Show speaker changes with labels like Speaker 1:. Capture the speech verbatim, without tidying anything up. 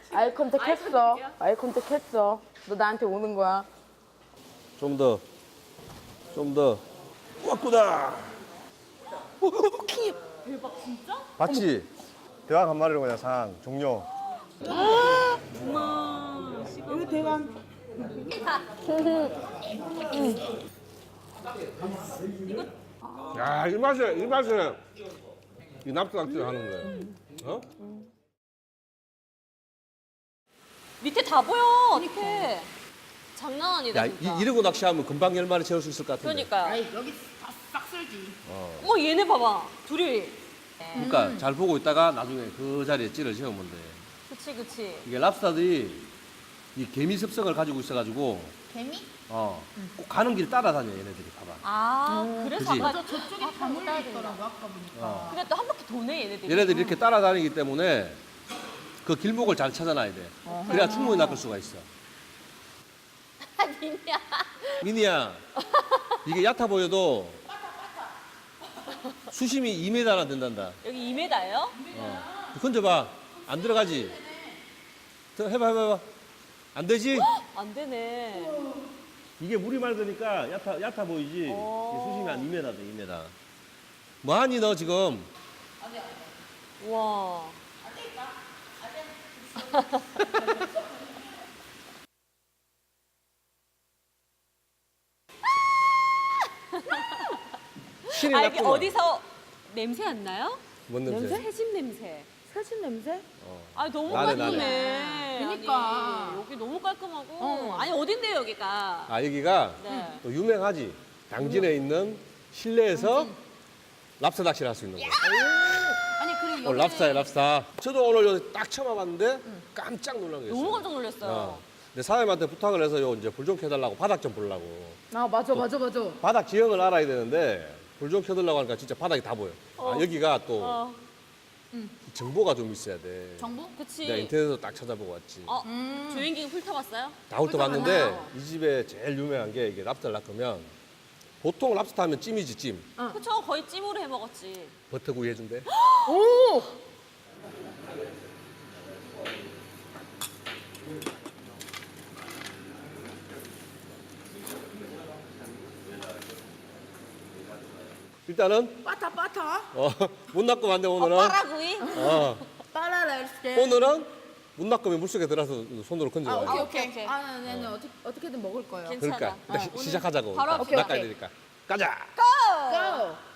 Speaker 1: 아이 컨택 했어. 아이 컨택 했어. 너 나한테 오는 거야.
Speaker 2: 좀 더. 좀 더. 왔구나.
Speaker 3: 대박 진짜?
Speaker 2: 봤지? 대왕 한 마리로 그냥 상 종료.
Speaker 3: 우와.
Speaker 1: 이거 대왕.
Speaker 2: 야, 이 맛에, 이 맛에 이 납작질 하는 거예요. 어?
Speaker 3: 밑에 다 보여. 어떡해. 장난 아니다
Speaker 2: 야,
Speaker 3: 진짜.
Speaker 2: 이, 이러고 낚시하면 금방 열 마리 채울 수 있을 것 같은데.
Speaker 3: 그러니까.
Speaker 1: 아이 여기 싹 쓸지.
Speaker 3: 어 얘네 봐봐. 둘이.
Speaker 2: 그러니까 잘 보고 있다가 나중에 그 자리에 찌를 채우면 돼.
Speaker 3: 그치 그치.
Speaker 2: 이게 랍스타들이 이 개미 습성을 가지고 있어가지고
Speaker 1: 개미?
Speaker 2: 어, 꼭 가는 길 따라다녀 얘네들이 봐봐.
Speaker 3: 아 그래서
Speaker 2: 그치?
Speaker 3: 아까
Speaker 1: 저쪽에 다 몰려 있더라고 아까 보니까.
Speaker 2: 어.
Speaker 3: 근데 또 한 바퀴 도네 얘네들이.
Speaker 2: 얘네들이 이렇게 따라다니기 때문에 그 길목을 잘 찾아놔야 돼. 그래야 충분히 낚을 수가 있어.
Speaker 3: 아니냐.
Speaker 2: 미니야, 이게 얕아 보여도 수심이 이 미터나 된단다.
Speaker 3: 여기 이 미터예요?
Speaker 2: 어. 건져봐. 안 들어가지? 더 해봐, 해봐, 해봐. 안 되지?
Speaker 3: 안 되네.
Speaker 2: 이게 물이 맑으니까 얕아, 얕아 보이지? 이게
Speaker 3: 오.
Speaker 2: 수심이 한 이 미터 돼, 이 미터. 뭐하니, 너 지금?
Speaker 3: 와.
Speaker 2: 신이
Speaker 3: 아 이게
Speaker 2: 났구만.
Speaker 3: 어디서 냄새 안 나요?
Speaker 2: 뭔 냄새?
Speaker 3: 새집 냄새.
Speaker 1: 새집 냄새?
Speaker 2: 어.
Speaker 3: 아 너무
Speaker 2: 나네,
Speaker 3: 깔끔해.
Speaker 1: 나네. 그러니까.
Speaker 3: 아니, 여기 너무 깔끔하고.
Speaker 1: 어.
Speaker 3: 아니 어딘데요 여기가?
Speaker 2: 아, 여기가
Speaker 3: 네.
Speaker 2: 또 유명하지. 당진에 있는 실내에서 랍스터 낚시를 할 수 있는 거야.
Speaker 1: 아니 그리고
Speaker 2: 오늘 랍스타야, 랍스타. 저도 오늘 여기 딱 처음 와봤는데 깜짝 놀란 게 있어요.
Speaker 3: 너무 깜짝 놀랐어요.
Speaker 2: 어. 근데 사장님한테 부탁을 해서 요 이제 불 좀 켜달라고 바닥 좀 보려고.
Speaker 1: 아 맞아 맞아 맞아.
Speaker 2: 바닥 지형을 알아야 되는데 불 좀 켜달라고 하니까 진짜 바닥이 다 보여.
Speaker 3: 어.
Speaker 2: 아, 여기가 또
Speaker 3: 어,
Speaker 2: 정보가 좀 있어야 돼.
Speaker 1: 정보?
Speaker 3: 그치.
Speaker 2: 내가 인터넷에서 딱 찾아보고 왔지.
Speaker 3: 어,
Speaker 1: 음.
Speaker 3: 조인기 훑어봤어요?
Speaker 2: 다 훑어봤는데
Speaker 3: 훑어봤나요?
Speaker 2: 이 집에 제일 유명한 게 이게 랍스터 낚으면 보통 랍스터 하면 찜이지 찜.
Speaker 3: 그쵸, 거의 찜으로 해 먹었지.
Speaker 2: 버터구이 해준대.
Speaker 1: 오.
Speaker 2: 일단은
Speaker 1: 빠타 빠타.
Speaker 2: 어, 못 낚으면 안 돼
Speaker 3: 어,
Speaker 2: 오늘은.
Speaker 3: 빠라구이?
Speaker 2: 어,
Speaker 1: 빠라랄게.
Speaker 2: 오늘은 못 낚으면 물속에 들어서 손으로
Speaker 1: 아
Speaker 2: 건져야 돼.
Speaker 1: 오케이
Speaker 3: 오케이,
Speaker 1: 오케이.
Speaker 3: 오케이.
Speaker 1: 아 네네 어떻게 어떻게든 먹을 거예요.
Speaker 3: 괜찮아.
Speaker 2: 그러니까 일단
Speaker 3: 어,
Speaker 2: 시-
Speaker 3: 오늘
Speaker 2: 시작하자고.
Speaker 3: 바로
Speaker 2: 일단
Speaker 3: 합시다.
Speaker 2: 낚아야
Speaker 3: 오케이.
Speaker 2: 되니까. 가자.
Speaker 1: 고!